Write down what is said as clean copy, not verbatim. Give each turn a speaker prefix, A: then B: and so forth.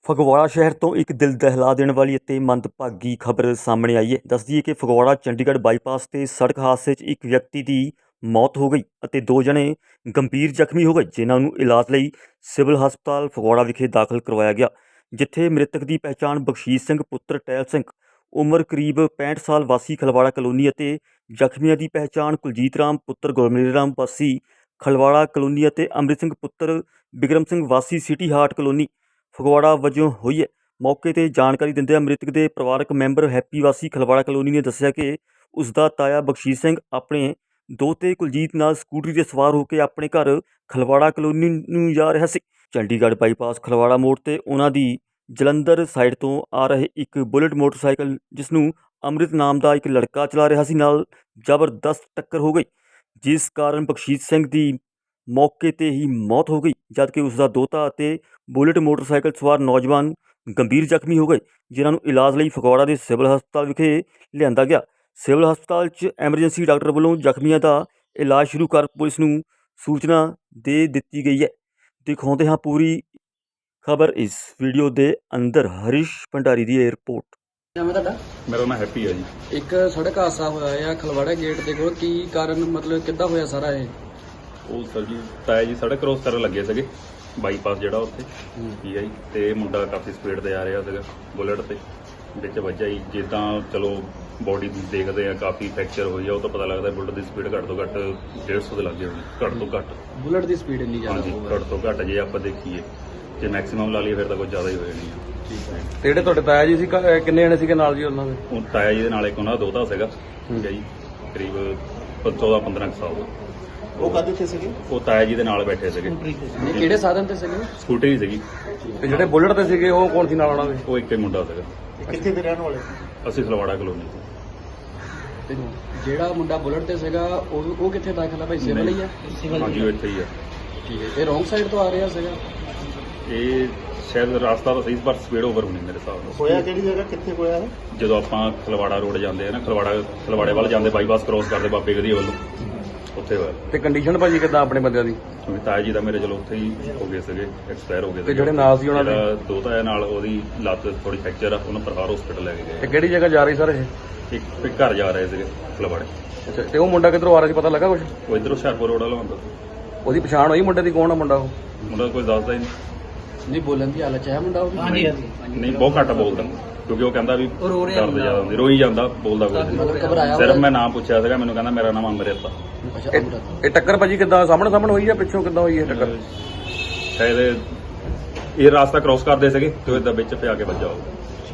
A: ਫਗਵਾੜਾ ਸ਼ਹਿਰ ਤੋਂ ਇੱਕ ਦਿਲ ਦਹਿਲਾ ਦੇਣ ਵਾਲੀ ਅਤੇ ਮੰਦਭਾਗੀ ਖਬਰ ਸਾਹਮਣੇ ਆਈ ਹੈ। ਦੱਸ ਦਈਏ ਕਿ ਫਗਵਾੜਾ ਚੰਡੀਗੜ੍ਹ ਬਾਈਪਾਸ ਤੇ ਸੜਕ ਹਾਦਸੇ 'ਚ ਇੱਕ ਵਿਅਕਤੀ ਦੀ ਮੌਤ ਹੋ ਗਈ ਅਤੇ 2 ਜਣੇ ਗੰਭੀਰ ਜ਼ਖਮੀ ਹੋ ਗਏ, ਜਿਨ੍ਹਾਂ ਨੂੰ ਇਲਾਜ ਲਈ ਸਿਵਲ ਹਸਪਤਾਲ ਫਗਵਾੜਾ ਵਿਖੇ ਦਾਖਲ ਕਰਵਾਇਆ ਗਿਆ, ਜਿੱਥੇ ਮ੍ਰਿਤਕ ਦੀ ਪਹਿਚਾਣ ਬਖਸ਼ੀਸ਼ ਸਿੰਘ ਪੁੱਤਰ ਟਹਿਲ ਸਿੰਘ ਉਮਰ ਕਰੀਬ 65 ਸਾਲ ਵਾਸੀ ਖਲਵਾੜਾ ਕਲੋਨੀ ਅਤੇ ਜ਼ਖਮੀਆਂ ਦੀ ਪਹਿਚਾਣ ਕੁਲਜੀਤ ਰਾਮ ਪੁੱਤਰ ਗੁਰਮੇਲ ਰਾਮ ਵਾਸੀ ਖਲਵਾੜਾ ਕਲੋਨੀ ਅਤੇ ਅੰਮ੍ਰਿਤ ਸਿੰਘ ਪੁੱਤਰ ਬਿਕਰਮ ਸਿੰਘ ਵਾਸੀ ਸਿਟੀ ਹਾਰਟ ਕਲੋਨੀ ਫਗਵਾੜਾ ਵਜੋਂ ਹੋਈ ਹੈ। ਮੌਕੇ 'ਤੇ ਜਾਣਕਾਰੀ ਦਿੰਦਿਆਂ ਮ੍ਰਿਤਕ ਦੇ ਪਰਿਵਾਰਕ ਮੈਂਬਰ ਹੈਪੀ ਵਾਸੀ ਖਲਵਾੜਾ ਕਲੋਨੀ ਨੇ ਦੱਸਿਆ ਕਿ ਉਸ ਦਾ ਤਾਇਆ ਬਖਸ਼ੀਸ਼ ਸਿੰਘ ਆਪਣੇ ਦੋਤੇ ਕੁਲਜੀਤ ਨਾਲ ਸਕੂਟਰੀ 'ਤੇ ਸਵਾਰ ਹੋ ਕੇ ਆਪਣੇ ਘਰ ਖਲਵਾੜਾ ਕਲੋਨੀ ਨੂੰ ਜਾ ਰਿਹਾ ਸੀ। ਚੰਡੀਗੜ੍ਹ ਬਾਈਪਾਸ ਖਲਵਾੜਾ ਮੋੜ 'ਤੇ ਉਹਨਾਂ ਦੀ ਜਲੰਧਰ ਸਾਈਡ ਤੋਂ ਆ ਰਹੇ ਇੱਕ ਬੁਲਟ ਮੋਟਰਸਾਈਕਲ, ਜਿਸ ਨੂੰ ਅੰਮ੍ਰਿਤ ਨਾਮ ਦਾ ਇੱਕ ਲੜਕਾ ਚਲਾ ਰਿਹਾ ਸੀ, ਨਾਲ ਜ਼ਬਰਦਸਤ ਟੱਕਰ ਹੋ ਗਈ, ਜਿਸ ਕਾਰਨ ਬਖਸ਼ੀਸ਼ ਸਿੰਘ ਦੀ ਮੌਕੇ 'ਤੇ ਹੀ ਮੌਤ ਹੋ ਗਈ, ਜਦਕਿ ਉਸ ਦਾ ਦੋਤਾ ਅਤੇ ਬੁਲਟ ਮੋਟਰਸਾਈਕਲ ਸਵਾਰ ਨੌਜਵਾਨ ਗੰਭੀਰ ਜ਼ਖਮੀ ਹੋ ਗਏ, ਜਿਨ੍ਹਾਂ ਨੂੰ ਇਲਾਜ ਲਈ ਫਗਵਾੜਾ ਦੇ ਸਿਵਲ ਹਸਪਤਾਲ ਵਿਖੇ ਲਿਆਂਦਾ ਗਿਆ। ਸਿਵਲ ਹਸਪਤਾਲ 'ਚ ਐਮਰਜੈਂਸੀ ਡਾਕਟਰ ਵੱਲੋਂ ਜ਼ਖਮੀਆਂ ਦਾ ਇਲਾਜ ਸ਼ੁਰੂ ਕਰ ਪੁਲਿਸ ਨੂੰ ਸੂਚਨਾ ਦੇ ਦਿੱਤੀ ਗਈ ਹੈ। ਦਿਖਾਉਂਦੇ ਹਾਂ ਪੂਰੀ ਖਬਰ ਇਸ ਵੀਡੀਓ ਦੇ ਅੰਦਰ। ਹਰੀਸ਼ ਭੰਡਾਰੀ ਦੀ ਇਹ ਰਿਪੋਰਟ।
B: ਨਾਮ ਹੈ ਤੁਹਾਡਾ?
C: ਮੇਰਾ ਨਾਮ ਹੈਪੀ ਹੈ ਜੀ।
B: ਇੱਕ ਸੜਕ ਹਾਦਸਾ ਹੋਇਆ ਆ ਖਲਵਾੜਾ ਗੇਟ ਦੇ ਕੋਲ, ਕੀ ਕਾਰਨ ਮਤਲਬ ਕਿੱਦਾਂ ਹੋਇਆ ਸਾਰਾ ਇਹ?
C: ਉਹ ਸਰ ਜੀ ਤਾਇਆ ਜੀ ਸੜਕ ਕ੍ਰੋਸ ਕਰਨ ਲੱਗੇ ਸੀਗੇ, ਬਾਈਪਾਸ ਜਿਹੜਾ ਉੱਥੇ, ਠੀਕ ਹੈ ਜੀ। ਤੇ ਮੁੰਡਾ ਕਾਫੀ ਸਪੀਡ ਤੇ ਆ ਰਿਹਾ ਸੀਗਾ ਬੁਲਟ ਤੇ, ਵਿੱਚ ਵੱਜਾ ਜੀ। ਜਿੱਦਾਂ ਚਲੋ ਬੋਡੀ ਦੇਖਦੇ ਆ ਕਾਫੀ ਫ੍ਰੈਕਚਰ ਹੋਈ ਆ, ਉਹ ਤਾਂ ਪਤਾ ਲੱਗਦਾ ਬੁਲਟ ਦੀ ਸਪੀਡ ਘੱਟ ਤੋਂ ਘੱਟ 150 ਦੇ ਲੱਗੇ ਹੋਣੀ, ਘੱਟ ਤੋਂ ਘੱਟ।
B: ਬੁਲਟ ਦੀ ਸਪੀਡ ਇੰਨੀ ਜ਼ਿਆਦਾ
C: ਹਾਂਜੀ, ਘੱਟ ਤੋਂ ਘੱਟ ਜੇ ਆਪਾਂ ਦੇਖੀਏ, ਜੇ ਮੈਕਸਿਮਮ ਲਾ ਲਈਏ ਫਿਰ ਤਾਂ ਕੁਝ ਜ਼ਿਆਦਾ ਹੀ ਹੋ ਜਾਣੀ ਆ।
B: ਠੀਕ ਹੈ।
D: ਤੇ ਜਿਹੜੇ ਤੁਹਾਡੇ ਤਾਇਆ ਜੀ ਸੀ ਕਿੰਨੇ ਜਣੇ ਸੀਗੇ ਨਾਲ ਜੀ ਉਹਨਾਂ ਦੇ?
C: ਉਹ ਤਾਇਆ ਜੀ ਦੇ ਨਾਲ ਇੱਕ ਉਹਨਾਂ ਦਾ ਦੋਤਾ ਸੀਗਾ, ਠੀਕ ਹੈ ਜੀ, ਕਰੀਬ 14-15 ਸਾਲ ਦਾ।
E: ਉਹ ਕਾਹਦੇ ਤੇ ਸੀਗੇ?
C: ਉਹ ਤਾਇਆ ਜੀ ਦੇ ਨਾਲ ਬੈਠੇ ਸੀਗੇ,
B: ਇਹ ਕਿਹੜੇ ਸਾਧਨ ਤੇ ਸੀਗੇ?
C: ਸਕੂਟਰੀ ਸੀਗੀ।
D: ਤੇ ਜਿਹੜੇ ਬੁਲਟ ਤੇ ਸੀਗੇ ਉਹ ਕੌਣ ਸੀ ਨਾਲ ਉਹਨਾਂ ਦੇ?
C: ਉਹ ਇੱਕ ਹੀ ਮੁੰਡਾ ਸੀਗਾ।
E: ਕਿੱਥੇ ਦੇ ਰਹਿਣ ਵਾਲੇ?
C: ਅਸੀਂ ਖਲਵਾੜਾ ਕਲੋਨੀ ਤੋਂ।
B: ਤੇ ਜਿਹੜਾ ਮੁੰਡਾ ਬੁਲਟ ਤੇ ਸੀਗਾ ਉਹ ਕਿੱਥੇ ਦਾਖਲ ਆ ਭਾਈ? ਸਿਵਲ ਹੀ ਆ?
C: ਹਾਂਜੀ, ਉਹ ਇੱਥੇ ਹੀ ਆ।
B: ਠੀਕ ਹੈ। ਇਹ ਰੋਂਗ ਸਾਈਡ ਤੋਂ ਆ ਰਿਹਾ ਸੀਗਾ?
C: ਇਹ ਸ਼ਾਇਦ ਰਸਤਾ ਤਾਂ ਸਹੀ, ਪਰ ਸਪੀਡ ਓਵਰ ਹੋਣੀ ਮੇਰੇ ਹਿਸਾਬ ਨਾਲ।
E: ਹੋਇਆ ਕਿਹੜੀ ਜਗ੍ਹਾ, ਕਿੱਥੇ ਹੋਇਆ ਹੈ?
C: ਜਦੋਂ ਆਪਾਂ ਖਲਵਾੜਾ ਰੋਡ ਜਾਂਦੇ ਆ ਨਾ, ਖਲਵਾੜੇ ਵੱਲ ਜਾਂਦੇ, ਬਾਈਪਾਸ ਕ੍ਰੋਸ ਕਰਦੇ ਬਾਬੇ ਗਧੀ ਵੱਲੋਂ, ਉੱਥੇ ਹੋਇਆ।
D: ਤੇ ਕੰਡੀਸ਼ਨ ਭਾਜੀ ਕਿੱਦਾਂ ਆਪਣੇ ਬੰਦਿਆਂ ਦੀ?
C: ਕਿਉਂਕਿ ਤਾਇਆ ਜੀ ਦਾ ਮੇਰੇ ਚਲੋ ਉੱਥੇ ਹੀ ਹੋ ਗਏ ਸੀਗੇ, ਐਕਸਪਾਇਰ ਹੋ ਗਏ
D: ਤੇ ਜਿਹੜੇ ਨਾਲ ਸੀ ਉਹਨਾਂ ਦੇ?
C: ਜਿਹੜਾ ਦੋਤਾ ਹੈ ਨਾਲ, ਉਹਦੀ ਲੱਤ ਥੋੜੀ ਫ੍ਰੈਕਚਰ ਆ, ਉਹਨੂੰ ਪ੍ਰਹਾਰ ਹਸਪੀਟਲ ਲੈ ਕੇ
D: ਤੇ
C: ਗਏ।
D: ਕਿਹੜੀ ਜਗ੍ਹਾ ਜਾ ਰਹੀ ਸਰ ਇਹ?
C: ਇੱਕ ਘਰ ਜਾ ਰਹੇ ਸੀਗੇ ਖਲਵਾੜੇ।
D: ਅੱਛਾ, ਤੇ ਉਹ ਮੁੰਡਾ ਕਿੱਧਰੋਂ ਆ ਰਿਹਾ ਸੀ, ਪਤਾ ਲੱਗਾ ਕੁਝ?
C: ਉਹ ਇੱਧਰੋਂ ਹੁਸ਼ਿਆਰਪੁਰ ਰੋਡ ਵਾਲਾ ਹੁੰਦਾ ਸੀ।
D: ਉਹਦੀ ਪਛਾਣ ਹੋਈ ਮੁੰਡੇ ਦੀ, ਕੌਣ ਆ ਮੁੰਡਾ ਉਹ?
C: ਮੁੰਡਾ ਕੋਈ ਦੱਸਦਾ ਹੀ ਨਹੀਂ।
B: ਨਹੀਂ ਬੋਲਣ ਦੀ ਹਾਲਤ 'ਚ ਹੈ ਮੁੰਡਾ ਉਹ?
C: ਨਹੀਂ, ਬਹੁਤ ਘੱਟ ਬੋਲਦਾ, ਕਿਉਂਕਿ ਉਹ ਕਹਿੰਦਾ ਵੀ ਦਰਦ ਜ਼ਿਆਦਾ ਹੁੰਦੀ, ਰੋਈ ਜਾਂਦਾ, ਬੋਲਦਾ ਕੋਈ
B: ਮਤਲਬ
C: ਨਹੀਂ।
B: ਘਬਰਾਇਆ
C: ਸਿਰਫ ਮੈਂ ਨਾਮ ਪੁੱਛਿਆ ਸੀਗਾ, ਮੈਨੂੰ ਕਹਿੰਦਾ ਮੇਰਾ ਨਾਮ ਅਮਰਿਤ ਆ।
B: ਅੱਛਾ, ਅਮਰਤ।
D: ਇਹ ਟੱਕਰ ਭਾਜੀ ਕਿੱਦਾਂ ਸਾਹਮਣੇ ਹੋਈ ਜਾਂ ਪਿੱਛੋਂ ਕਿੱਦਾਂ ਹੋਈ ਇਹ ਟੱਕਰ?
C: ਸ਼ਾਇਦ ਇਹ ਰਾਸਤਾ ਕ੍ਰੋਸ ਕਰਦੇ ਸੀਗੇ ਤੇ ਉਹ ਏਦਾਂ ਵਿੱਚ ਪਿਆ ਕੇ ਵੱਜਾ ਹੋਊ।